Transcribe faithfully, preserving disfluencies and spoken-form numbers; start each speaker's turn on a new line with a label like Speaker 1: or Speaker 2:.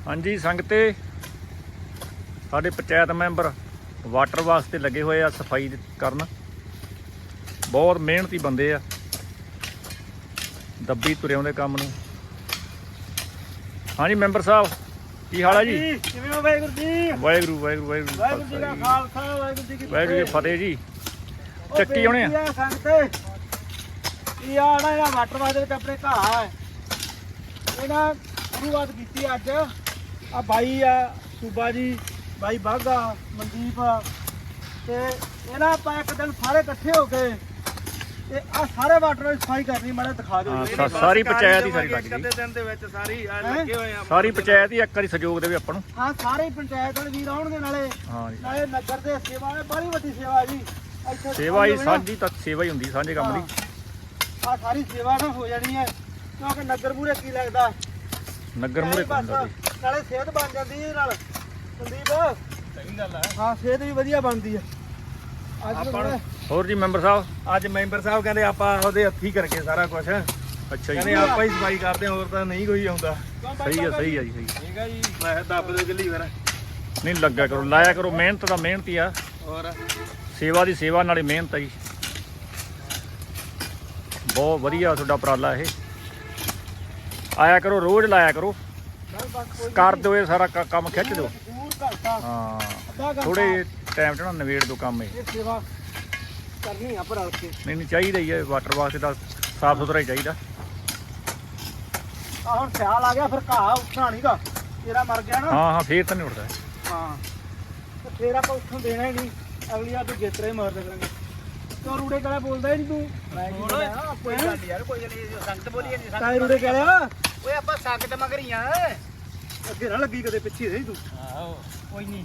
Speaker 1: ਹਾਂਜੀ ਸੰਗਤੇ ਸਾਡੇ ਪੰਚਾयत member water ਵਾਸਤੇ ਲੱਗੇ ਹੋਏ ਆ ਸਫਾਈ ਕਰਨ। ਬਹੁਤ ਮਿਹਨਤੀ ਬੰਦੇ ਆ, ਦੱਬੀ ਤੁਰੇ ਆਉਂਦੇ ਕੰਮ ਨੂੰ। ਹਾਂਜੀ ਮੈਂਬਰ ਸਾਹਿਬ ਕੀ ਹਾਲ ਹੈ ਜੀ?
Speaker 2: ਕਿਵੇਂ ਹੋ? ਵਾਹਿਗੁਰੂ ਜੀ।
Speaker 1: ਵਾਹਿਗੁਰੂ ਵਾਹਿਗੁਰੂ ਵਾਹਿਗੁਰੂ
Speaker 2: ਵਾਹਿਗੁਰੂ ਜੀ ਦਾ ਖਾਲਸਾ ਵਾਹਿਗੁਰੂ ਜੀ ਕੀ
Speaker 1: ਵਾਹਿਗੁਰੂ ਜੀ ਫਤਿਹ ਜੀ। ਚੱਕੀ ਆਉਣੇ ਆ
Speaker 2: ਸੰਗਤੇ ਇਹ ਆਣਾ ਇਹਦਾ ਵਾਟਰ ਵਾਸਤੇ ਵਿੱਚ ਆਪਣੇ ਘਾਹ ਹੈ। ਇਹਨਾਂ ਸ਼ੁਰੂਆਤ ਕੀਤੀ ਅੱਜ ਆ ਬਾਈ ਆ ਸੂਬਾ ਜੀ, ਬਾਈ ਬਾਗਾ, ਮਨਦੀਪ ਤੇ ਇਹਨਾਂ ਆਪਾਂ ਇੱਕ ਦਿਨ ਸਾਰੇ ਇਕੱਠੇ ਹੋ ਕੇ ਤੇ ਆ ਸਾਰੇ ਵਾਟਰ ਦੀ ਸਫਾਈ ਕਰਨੀ। ਮਾੜਾ ਦਿਖਾ ਦਿਓ ਜੀ।
Speaker 1: ਹਾਂ, ਸਾਰੀ ਪੰਚਾਇਤ ਹੀ ਸਾਰੀ ਲੱਗ
Speaker 2: ਇੱਕ ਅੱਧੇ ਦਿਨ ਦੇ ਵਿੱਚ ਸਾਰੀ ਆ ਲੱਗੇ ਹੋਏ ਆ।
Speaker 1: ਸਾਰੀ ਪੰਚਾਇਤ ਹੀ ਇੱਕ ਵਾਰੀ ਸਹਿਯੋਗ ਦੇਵੇ ਆਪਾਂ ਨੂੰ।
Speaker 2: ਹਾਂ ਸਾਰੇ ਪੰਚਾਇਤ ਵਾਲੇ ਵੀਰ ਆਉਣਗੇ, ਨਾਲੇ
Speaker 1: ਹਾਂ ਜੀ,
Speaker 2: ਨਾਲੇ ਨਗਰ ਦੇ ਸੇਵਾ ਹੈ, ਬੜੀ ਵੱਡੀ ਸੇਵਾ ਜੀ। ਇੱਥੇ
Speaker 1: ਸੇਵਾ ਹੀ ਸਾਂਝੀ ਤਾਂ ਸੇਵਾ ਹੀ ਹੁੰਦੀ ਸਾਂਝੇ ਕੰਮ ਦੀ।
Speaker 2: ਆ ਸਾਰੀ ਸੇਵਾ ਨਾ ਹੋ ਜਾਣੀ ਹੈ ਕਿਉਂਕਿ ਨਗਰ ਮੂਰੇ ਕੀ ਲੱਗਦਾ,
Speaker 1: ਨਗਰ ਮੂਰੇ ਹੁੰਦਾ ਜੀ।
Speaker 2: ਨਾਲੇ ਸਿਹਤ ਬਣ ਜਾਂਦੀ ਹੈ ਨਾਲ। ਸੰਦੀਪ ਸਹੀ ਗੱਲ ਹੈ। ਹਾਂ ਸਿਹਤ ਵੀ ਵਧੀਆ ਬਣਦੀ ਹੈ। ਅੱਜ
Speaker 3: ਆਪਾਂ
Speaker 1: ਹੋਰ ਜੀ ਮੈਂਬਰ ਸਾਹਿਬ?
Speaker 3: ਅੱਜ ਮੈਂਬਰ ਸਾਹਿਬ ਕਹਿੰਦੇ ਆਪਾਂ ਉਹਦੇ ਹੱਥੀਂ ਕਰਕੇ ਸਾਰਾ ਕੁਝ
Speaker 1: ਅੱਛਾ
Speaker 3: ਕਹਿੰਦੇ
Speaker 1: ਜੀ,
Speaker 3: ਆਪਾਂ ਹੀ ਸਫਾਈ ਕਰਦੇ, ਹੋਰ ਤਾਂ ਨਹੀਂ ਕੋਈ ਆਉਂਦਾ।
Speaker 1: ਸਹੀ ਹੈ ਸਹੀ ਹੈ ਜੀ, ਸਹੀ।
Speaker 3: ਠੀਕ ਹੈ ਜੀ, ਮੈਂ ਦੱਬ ਦੇ ਗੱਲੀ ਫਿਰ।
Speaker 1: ਨਹੀਂ ਲੱਗਾ ਕਰੋ, ਲਾਇਆ ਕਰੋ, ਮਿਹਨਤ ਦਾ ਮਿਹਨਤ ਹੀ ਆ।
Speaker 3: ਹੋਰ
Speaker 1: ਸੇਵਾ ਦੀ ਸੇਵਾ ਨਾਲੇ ਮਿਹਨਤ ਆ ਜੀ। ਬਹੁਤ ਵਧੀਆ ਤੁਹਾਡਾ ਉਪਰਾਲਾ ਇਹ। ਆਇਆ ਕਰੋ, ਰੋਜ਼ ਲਾਇਆ ਕਰੋ, ਕਰ ਦਿਓ ਇਹ ਸਾਰਾ ਕ- ਕੰਮ ਖਿੱਚ ਦਿਓ। ਹਾਂ ਥੋੜੇ ਟਾਈਮ 'ਚ ਨਾ ਨਵੇੜ ਦਿਓ ਕੰਮ ਇਹ।
Speaker 2: ਇਹ ਸੇਵਾ ਕਰਨੀ ਆ ਪਰ ਕੇ।
Speaker 1: ਨਹੀਂ ਨਹੀਂ ਚਾਹੀਦਾ ਹੀ ਹੈ, ਵਾਟਰ ਵਾਸਤੇ ਤਾਂ ਸਾਫ ਸੁਥਰਾ ਹੀ ਚਾਹੀਦਾ।
Speaker 2: ਆ ਹੁਣ ਸਿਆਲ ਆ ਗਿਆ, ਫਿਰ ਘਾਹ ਉੱਠਣਾ ਨਹੀਂਗਾ, ਤੇਰਾ ਮਰ ਗਿਆ ਨਾ।
Speaker 1: ਹਾਂ ਹਾਂ ਫੇਰ ਤਾਂ ਨਹੀਂ ਉੱਠਦਾ।
Speaker 2: ਹਾਂ ਤੇ ਫੇਰ ਆਪਾਂ ਉੱਠਣ ਦੇਣਾ ਹੀ ਨਹੀਂ, ਅਗਲੀ ਵਾਰ ਤੂੰ ਗੇਤਰੇ ਮਾਰਦੇ ਕਰਾਂਗੇ। ਤੂੰ ਰੂੜੇ ਕਾਲਾ ਬੋਲਦਾ ਹੀ ਨਹੀਂ ਤੂੰ। ਮੈਂ ਕੀ ਬੋਲਿਆ?
Speaker 3: ਕੋਈ ਗੱਲ ਯਾਰ, ਕੋਈ ਗੱਲ ਨਹੀਂ, ਸੰਗਤ ਬੋਲੀ ਨਹੀਂ।
Speaker 2: ਕਾਲੇ ਰੂੜੇ ਕਾਲਿਆ
Speaker 3: ਓਏ ਆਪਾਂ ਸੰਗਤ ਮਗਰੀਆਂ
Speaker 2: ਅੱਗੇ ਨਾ ਲੱਗੀ ਕਦੇ ਪਿੱਛੇ ਰਹੀ ਤੂੰ।
Speaker 3: ਆਹੋ ਕੋਈ ਨਹੀਂ।